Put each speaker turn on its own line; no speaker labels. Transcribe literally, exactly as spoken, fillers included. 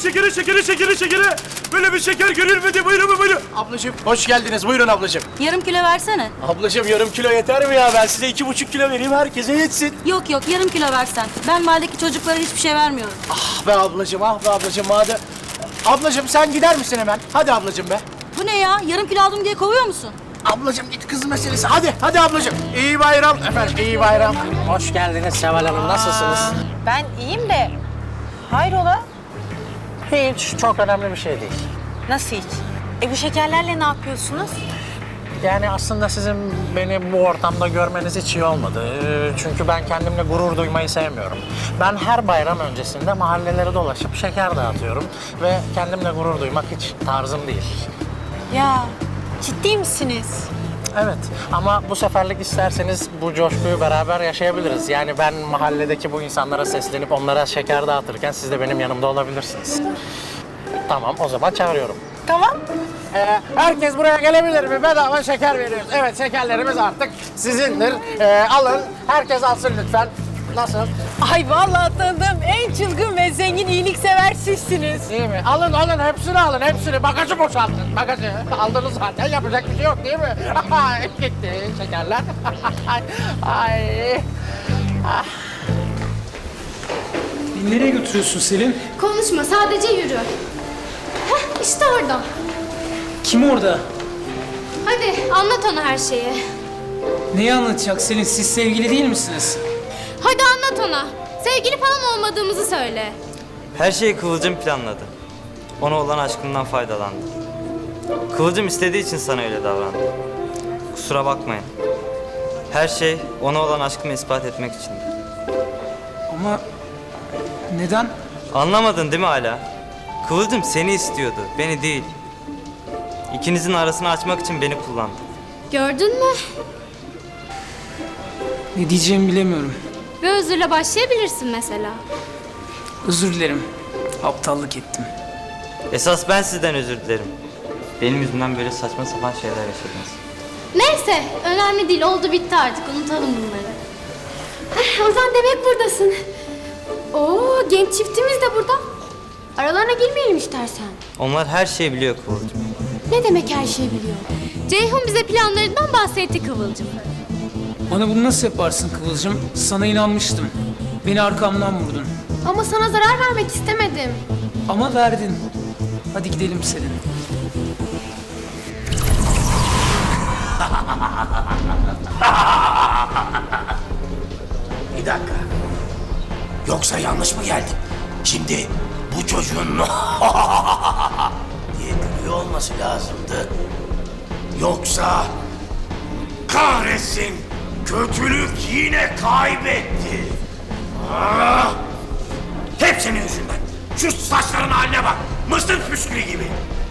şekeri, şekeri, şekeri, şekeri. Böyle bir şeker görülmedi. Buyurun, buyurun.
Ablacığım hoş geldiniz. Buyurun ablacığım.
Yarım kilo versene.
Ablacığım yarım kilo yeter mi ya? Ben size iki buçuk kilo vereyim, herkese yetsin.
Yok yok, yarım kilo versen. Ben mahalledeki çocuklara hiçbir şey vermiyorum.
Ah be ablacığım, ah be ablacığım. Madem... Ablacığım sen gider misin hemen? Hadi ablacığım be.
Bu ne ya? Yarım kilo aldım diye kovuyor musun?
Ablacığım git kız meselesi. Hadi, hadi ablacığım. İyi bayram efendim, iyi bayram. Hoş geldiniz Seval Hanım. Nasılsınız?
Ben iyiyim de hayrola?
Hiç, çok önemli bir şey değil.
Nasıl hiç? E bu şekerlerle ne yapıyorsunuz?
Yani aslında sizin beni bu ortamda görmeniz hiç iyi olmadı. Ee, Çünkü ben kendimle gurur duymayı sevmiyorum. Ben her bayram öncesinde mahallelere dolaşıp şeker dağıtıyorum. Ve kendimle gurur duymak hiç tarzım değil.
Ya ciddi misiniz?
Evet ama bu seferlik isterseniz bu coşkuyu beraber yaşayabiliriz. Yani ben mahalledeki bu insanlara seslenip onlara şeker dağıtırken siz de benim yanımda olabilirsiniz. Tamam, o zaman çağırıyorum.
Tamam.
Ee, herkes buraya gelebilir mi? Bedava şeker veriyoruz. Evet, şekerlerimiz artık sizindir. Ee, alın, herkes alsın lütfen. Nasıl?
Ay vallahi tanıdığım en çılgın ve zengin iyiliksever sizsiniz.
İyi mi? Alın, alın, hepsini alın, hepsini. Bagajı boşaltın, bagajı. Aldınız zaten, yapacak bir şey yok değil mi? Gitti şekerler. Ay.
Nereye götürüyorsun Selin?
Konuşma, sadece yürü. Heh, işte orada.
Kim orada?
Hadi anlat ona her şeyi.
Neyi anlatacak Selin? Siz sevgili değil misiniz?
Hadi anlat ona. Sevgili falan olmadığımızı söyle.
Her şeyi Kıvılcım planladı. Ona olan aşkından faydalandı. Kıvılcım istediği için sana öyle davrandı. Kusura bakmayın. Her şey ona olan aşkımı ispat etmek içindi.
Ama neden?
Anlamadın değil mi hala? Kıvılcım seni istiyordu, beni değil. İkinizin arasını açmak için beni kullandı.
Gördün mü?
Ne diyeceğimi bilemiyorum.
Ve özürle başlayabilirsin mesela.
Özür dilerim. Aptallık ettim.
Esas ben sizden özür dilerim. Benim yüzümden böyle saçma sapan şeyler yaşadınız.
Neyse, önemli değil. Oldu bitti artık. Unutalım bunları. Heh, Ozan demek buradasın. Oo, genç çiftimiz de burada. Aralarına girmeyelim istersen.
Onlar her şeyi biliyor Kıvılcım.
Ne demek her şeyi biliyor? Ceyhun bize planlarından bahsetti Kıvılcım.
Bana bunu nasıl yaparsın Kıvılcım? Sana inanmıştım. Beni arkamdan vurdun.
Ama sana zarar vermek istemedim.
Ama verdin. Hadi gidelim Selin.
Bir dakika. Yoksa yanlış mı geldim? Şimdi bu çocuğun diye gülüyor olması lazımdı. Yoksa kahretsin, kötülük yine kaybetti. Ah! Hep senin yüzünden. Şu saçların haline bak. Mısır püskülü gibi.